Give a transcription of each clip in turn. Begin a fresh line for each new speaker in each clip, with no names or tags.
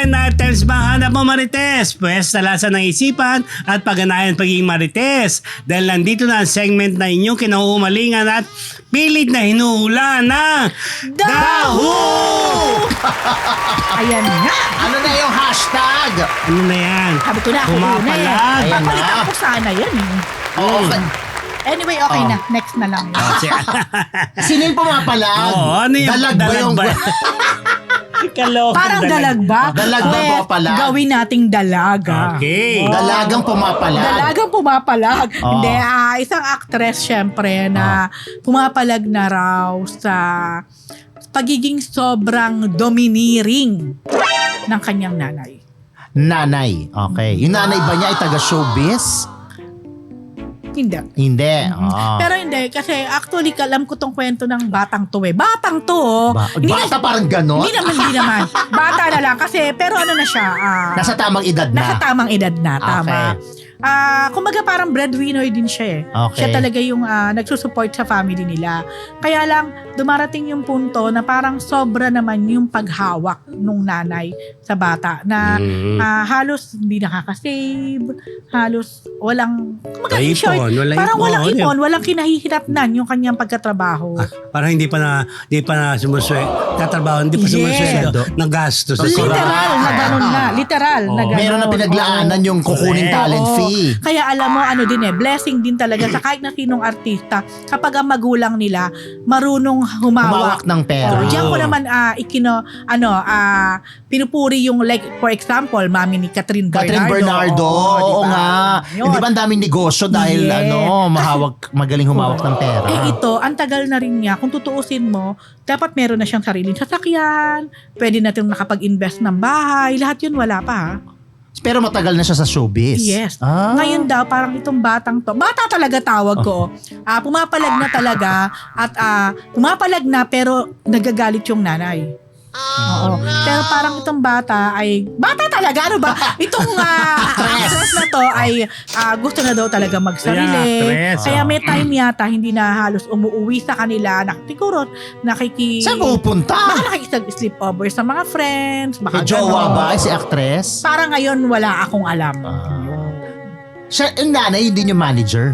Trend items ba hanap mo, Marites? Pwes, talasan ng isipan at pagganahan pagiging Marites. Dahil nandito na ang segment na inyong kinauumalingan at pilit na hinuhula ng Daho!
Ayan nga.
Ano na yung hashtag?
Ano na yan?
Sabi ko na ako una eh.
Pumapalag.
Ayan
Papalitan
na.
ko sana yan eh.
Oo.
Anyway, okay na. Next na lang.
Oh,
Sino yung pumapalag?
Oo, ano yung
Dalag ba yung...
Kalokong
Parang dalag ba?
Dalag ba
Pwes,
pumapalag?
Gawin nating dalaga.
Okay.
Oh.
Dalagang pumapalag.
Dalagang pumapalag.
Oh.
Hindi, isang actress syempre na pumapalag na raw sa pagiging sobrang domineering ng kanyang nanay.
Nanay. Okay. Yung nanay ba niya ay taga-showbiz?
Hindi.
Hindi. Oh.
Pero hindi, kasi actually alam ko tong kwento ng batang to eh. Batang to oh. Hindi
Bata parang ganon?
Hindi naman. Bata na lang kasi, pero ano na siya.
Nasa tamang edad na.
Nasa tamang edad na, tama.
Okay.
Kumbaga parang breadwinner din siya eh.
Okay.
Siya talaga yung nagsusupport sa family nila. Kaya lang, dumarating yung punto na parang sobra naman yung paghawak nung nanay sa bata na halos hindi nakakasave, halos walang, kumbaga in short, parang walang ipon, walang kinahihinatnan yung kanyang pagkatrabaho.
Parang hindi pa na sumusweldo. Tatrabaho, hindi pa sumusweldo. Nagastos.
Literal na gano'n na. Literal na gano'n.
Meron na pinaglaanan yung kukuning talent fee.
Kaya alam mo, ano din eh, blessing din talaga sa kahit na sinong artista kapag ang magulang nila marunong humawak
ng pera.
Diyan ko naman pinupuri yung like, for example, mami ni Catherine Bernardo.
Oo
diba?
nga.
Yun.
Hindi ba ang daming negosyo dahil magaling humawak ng pera?
Ito, ang tagal na rin niya. Kung tutuusin mo, dapat meron na siyang sariling sasakyan, pwede natin nakapag-invest ng bahay, lahat yun wala pa ha.
Pero matagal na siya sa showbiz.
Yes. Ngayon daw, parang itong batang to, bata talaga tawag ko, pumapalag na talaga at pumapalag na pero nagagalit yung nanay. Oo. Pero parang itong bata talaga, ano ba? Itong actress na to ay gusto na daw talaga magsarili. Kaya may time yata hindi na halos umuwi sa kanila. Siguro
Saan pupunta?
baka nakikisag-sleepover sa mga friends. Baka
May jowa
ganon.
ba si actress?
Parang ngayon wala akong alam.
Siya, yung nanay, hindi yung manager.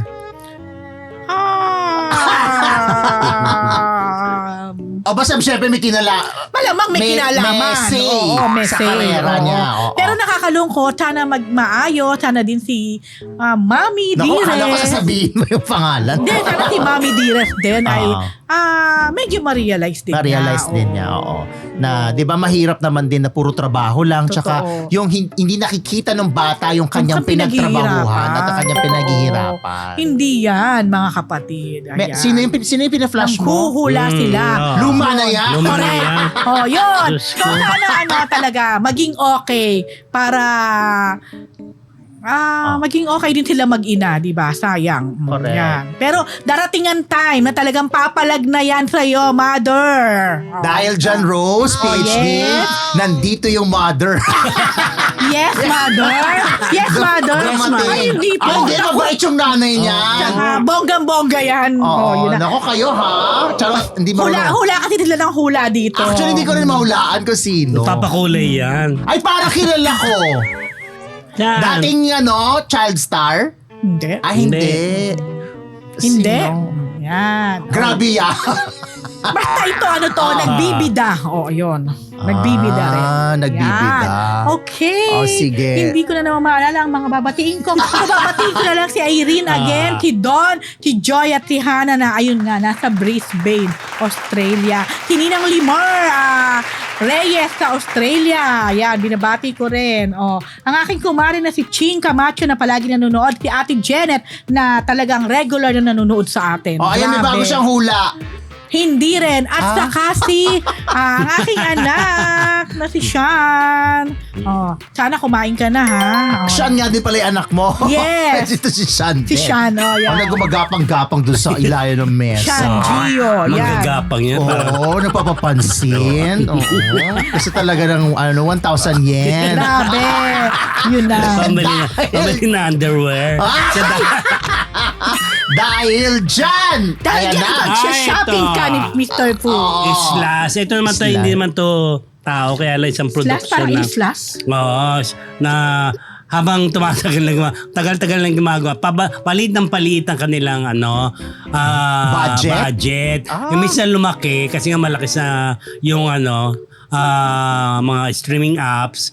O basta syempre may
Malamang may kinalaman.
May
Oo, may
sa
say.
karera
Oo.
niya. Oo.
Pero nakakalungkot. Sana maayos. Sana din si Mami
Naku,
Dires.
akala ko sasabihin mo yung pangalan.
Hindi, sana si Mami Dires din ay medyo ma-realize din
Ma-realize din niya, oo. Na, di ba mahirap naman din na puro trabaho lang.
Totoo.
Tsaka yung hindi nakikita ng bata yung kanyang
Kung
pinagtrabahuhan at ang kanyang
Oo.
pinaghihirapan.
Hindi yan, mga kapatid. Ayan.
Sino yung pinaflash mo?
Nanghuhula sila.
Luma na yan.
Luma na
Correct.
yan.
Oh, yun.
Diyos
So,
ko.
sana talaga maging okay para maging okay din sila mag-ina, di ba? Sayang.
Correct.
Yan. Pero darating ang time na talagang papalag na yan sa'yo, mother. Oh.
Dahil John Rose, PhD,
yes.
nandito yung mother.
Yes, mother. Yes, mother.
Dumating.
Ay, hindi po.
Hindi, mabait yung nanay niya.
Tsaka, bonggang-bongga yan.
Oo,
yun na.
nako kayo ha. Charot, hindi mo
Hula kasi sila ng hula dito.
Actually, hindi ko rin mahulaan kung sino.
Papakulay yan.
Ay, para kilala ko.
Yan.
Dating child star?
Hindi.
Ah, hindi.
Hindi.
Sino?
Yan.
Grabe yan.
Basta ito, nagbibida. Oo, yun. Nagbibida rin.
Nagbibida.
Yan. Okay.
Oh, sige.
Hindi ko na naman maalala ang mga babatiin ko. Babatiin ko na lang si Irene again, si Don, si Joy at si Hannah na ayun nga, nasa Brisbane, Australia. Si Ninang Limar, Reyes sa Australia. Yan, binabati ko rin. Oh, ang aking kumare na si Ching Camacho na palagi nanonood, si Ate Janet na talagang regular na nanonood sa atin.
Oh, ayan, may
Grabe.
bago siyang hula.
Hindi rin. At saka si ang aking anak na si Sean. Oh, sana kumain ka na ha. Oh.
Sean nga din pala yung anak mo.
Yes.
Ito si Sean.
Si Sean, yan.
Gumagapang-gapang dun sa ilayo ng mesa.
Sean Gio, yan.
Manggagapang yan.
Oo, nagpapapansin. Oo. Kasi talaga ng 1,000 yen.
Grabe. Yun na.
Pamili na underwear.
Dahil dyan!
Dahil
Ayan
yan,
na.
shopping ka ni Mr. Fu.
Islas. Ito naman to,
Islas.
hindi naman to tao, kaya lang isang
Slash,
production
parang
na.
slash.
Oo, na habang tumatagal lang tagal-tagal lang gumagawa, palit ng palit ang kanilang budget. Yung minsan lumaki kasi nga malaki sa yung mga streaming apps.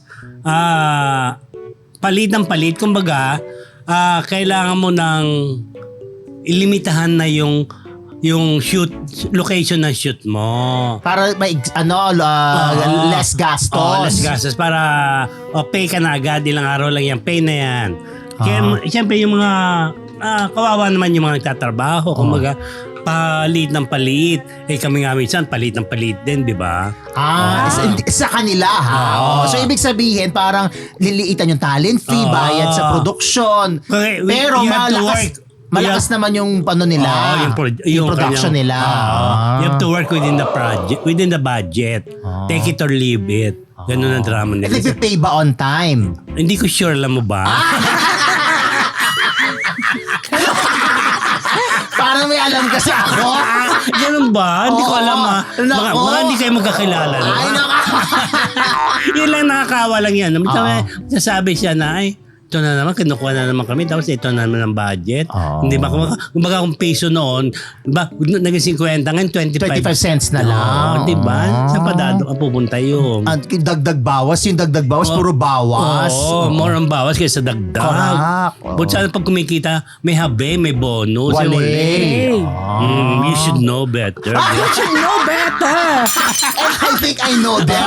Palit ng palit, kumbaga kailangan mo ng ilimitahan na yung location ng shoot mo.
Para may less gastos.
Less gastos para pay ka na agad, ilang araw lang yan, pay na yan. Kaya siyempre yung mga kawawa naman yung mga nagtatrabaho, kumbaga palit ng palit. Kami nga minsan palit ng palit din, di ba?
Sa kanila ha. So ibig sabihin parang liliitan yung talent fee, bayad sa production.
Okay,
pero
you have to work.
malakas naman yung nila, yung production
kanyang,
nila.
You have to work within the budget. Take it or leave it. Ganun ang drama nila.
Nagpipay ba on time?
Hindi ko sure, alam mo ba?
Parang may alam kasi ako.
Ganun ba? Hindi ko alam Mga hindi kayo magkakilala.
Ay,
Yun lang, nakakawa lang yan. Sasabi siya na, ito na naman, kinukuha na naman kami, tapos ito na naman ang budget. Hindi ba? Kumbaga kung piso noon, naging 50, ngayon 25
cents na lang.
Di ba? Sa padado ka pupunta yun.
Dagdag bawas, puro bawas.
More ang bawas kaysa dagdag.
Correct.
But sana pag kumikita, may habe, may bonus.
Wale.
You should know better.
You should know better.
I think I know them.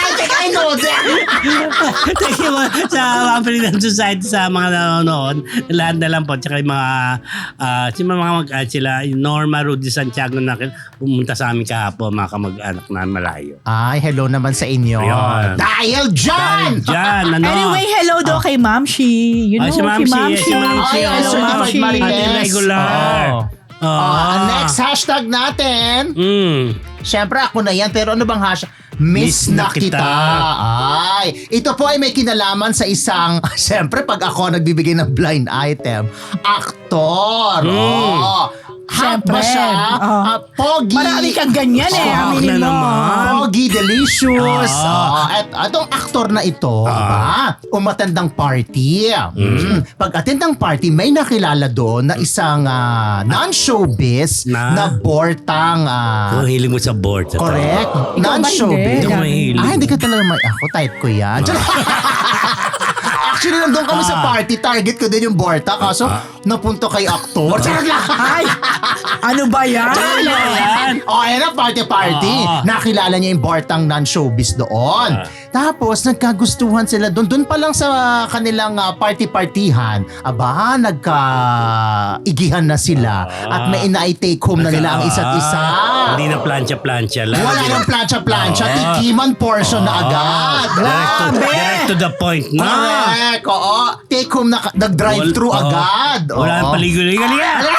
Thank you sa mga Freedom Society, sa mga nanonood. Lahat na lang po. Tsaka yung mga sila, Norma Rudy Santiago na pumunta sa amin kahapon, mga kamag-anak na malayo.
Ay, hello naman sa inyo.
Ayun.
Dahil dyan!
Anyway, hello daw kay Mamshi. You know,
si Mamshi.
Si
Mamshi.
Hello, Mamshi.
Ate regular.
Next hashtag natin. Siyempre ako na yan, pero ano bang hashtag? Miss na kita. Ay, ito po ay may kinalaman sa isang, siyempre pag ako nagbibigay ng blind item, aktor. Hot ba siya? Pogi.
Marami kang ganyan aminin mo.
Pogi, delicious. At itong aktor na ito, umatendang party. Pag-attend ng party, may nakilala doon na isang non-showbiz na bortang.
Kung hiling mo sa board.
Correct. Non-showbiz.
Hindi ko mahilig.
Hindi ka talaga ako, type ko yan. Actually, nandun kami sa party. Target ko din yung Borta. Kaso, napunto kay aktor.
Ay, ano ba yan?
Ayan na, party. Nakilala niya yung Bortang non-showbiz doon. Tapos, nagkagustuhan sila doon. Doon pa lang sa kanilang party-partihan. Aba, nagka-igihan na sila. At may ina-take home na nila ang isa't isa.
Hindi na plancha-plancha lang.
Wala nang plancha-plancha. Tikiman portion na agad.
Direct to the point na.
Correct, oo. Take home na, nag-drive-thru agad.
Wala nang paligoy-ligoy.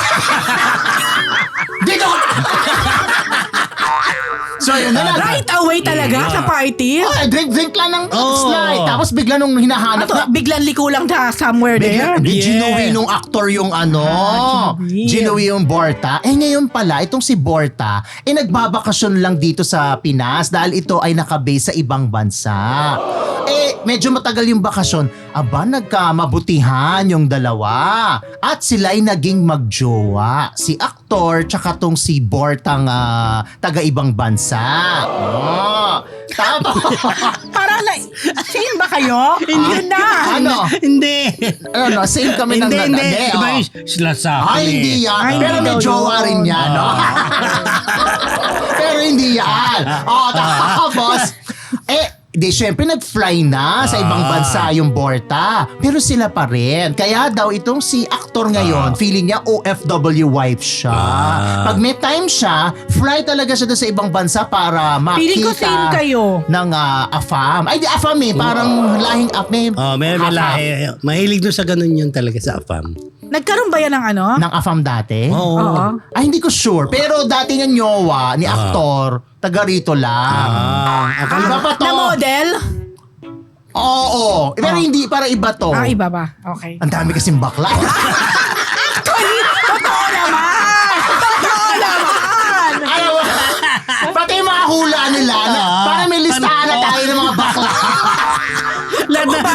Dito ka! So yun na lang.
Right away talaga sa party?
Drink lang ng slide. Tapos bigla nung hinahanap na,
Biglang liko lang somewhere there.
Ginuwi nung actor yung Ginuwi yung Borta. Ngayon pala, itong si Borta, nagbabakasyon lang dito sa Pinas dahil ito ay nakabase sa ibang bansa. Medyo matagal yung bakasyon. Aba, nagkamabutihan yung dalawa. At sila'y naging magjowa. Si aktor, tsaka tong si Bortang taga-ibang bansa. Tapos,
Parang same ba kayo? Hindi na.
Hindi.
Same kami ng
Hindi. Iba yung sila sa akin.
Hindi yan. Pero may jowa rin yan. Pero hindi yan. Tapos, syempre nag-fly na sa ibang bansa yung Borta. Pero sila pa rin. Kaya daw itong si aktor ngayon, feeling niya OFW wife siya. Pag may time siya, fly talaga siya doon sa ibang bansa para makita.
Feeling ko same kayo.
Ng AFAM. Ay, di AFAM parang lahing
may lahi. Mahilig doon sa ganun yun talaga sa AFAM.
Nagkaroon ba yan ng
ng AFAM dati?
Oo.
Ay, hindi ko sure. Pero dati ng nyowa ni aktor, taga rito lang. Iba pa to?
Na model?
Oo. Pero hindi, para iba to.
Iba ba? Okay.
Ang dami kasing bakla.
Actually, totoo naman! Totoo naman!
Alam mo, pati yung mga hula nila, para may listahan na tayo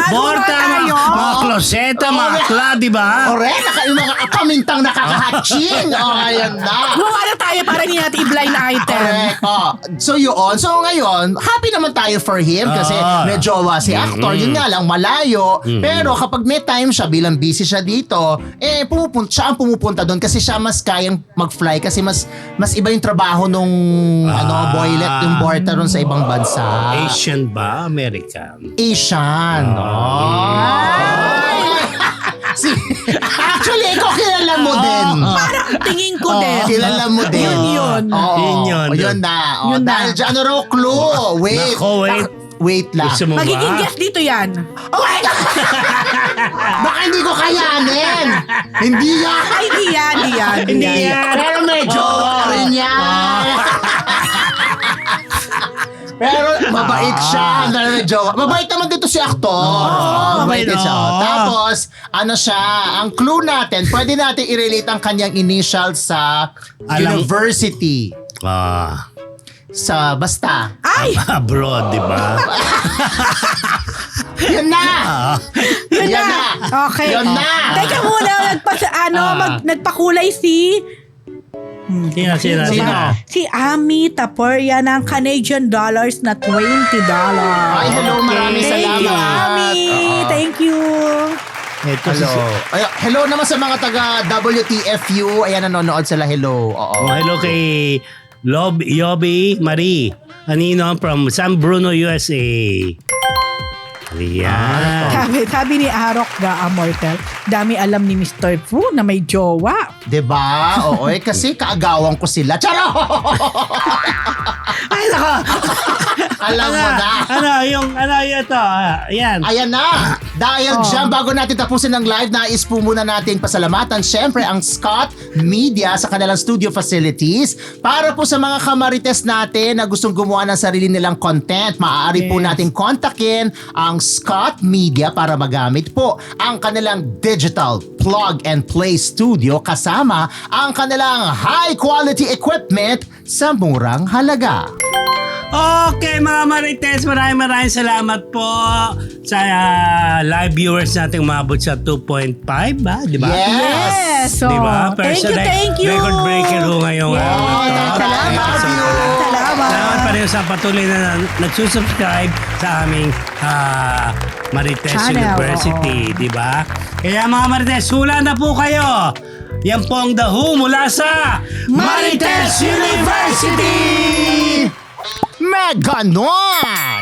Borta,
tayo.
mga kloseta, mga kla, di ba?
Correct, yung mga pamintang nakakahatching. Ayan na.
Gumawa na tayo para hindi natin i-blind item.
Correct. So yun. So ngayon, happy naman tayo for him kasi may jowa si actor. Yun nga lang, malayo. Pero kapag may time siya, bilang busy siya dito, siya ang pumupunta doon kasi siya mas kayang mag-fly kasi mas iba yung trabaho nung boylet, yung Borta ron sa ibang bansa.
Asian ba? American?
Asian. Actually, ikaw kilala mo din.
Parang tingin ko din.
Kilala mo din.
Yun.
Oo.
Yun.
Yun na.
Yun na.
Dahil dyan, ano raw clue? Wait.
Nako, wait.
Wait lang.
Gusto mo
Magiging
ba?
guest dito yan.
Oh my God! Baka hindi ko kayanin. Hindi yan.
Ay, hindi yan.
Hindi yan.
Pero medyo rin yan. Pero mabait siya. Mabait naman dito si aktor. Mabait din siya. Tapos, ang clue natin, pwede natin i-relate ang kanyang initial sa university. Basta.
Ay!
Abroad, di ba?
Yun na!
Yun
Yan
na.
na.
Okay.
Yun na.
Teka muna, nagpakulay si...
Sino?
Si Ami Taporia ng Canadian dollars na $20.
Ay, hello. Maraming
Thank you,
salamat.
Ami. Thank you.
Ito
Hello. Hello naman sa mga taga WTFU. Ayan, nanonood sila. Hello. Oo.
Hello kay Yobi Marie Anino from San Bruno, USA. Ayan.
Sabi ni Arok Amortel, dami alam ni Mr. Fu na may jowa.
Diba? Oo, kasi kaagawan ko sila. Charo!
Ay, nako.
Alam mo na.
Ito. Ayan.
Ayan na. Dahil dyan, bago natin tapusin ang live, nais po muna nating pasalamatan syempre ang Scott Media sa kanilang studio facilities. Para po sa mga kamarites natin na gustong gumawa ng sarili nilang content, maaari po nating kontakin ang Scott Media para magamit po ang kanilang digital plug and play studio kasama ang kanilang high quality equipment sa murang halaga.
Okay mga Marites, maraming salamat po sa live viewers nating umabot sa 2.5 ba? Di ba?
Yes. So,
Di ba?
thank you.
Record breaker ho ngayong
Salamat.
Salamat pa rin sa patuloy na nagsusubscribe sa aming Marites
Channel,
University. Di ba? Kaya mga Marites, hula na po kayo. Yan po ang The Who mula sa Marites University!
Meganon!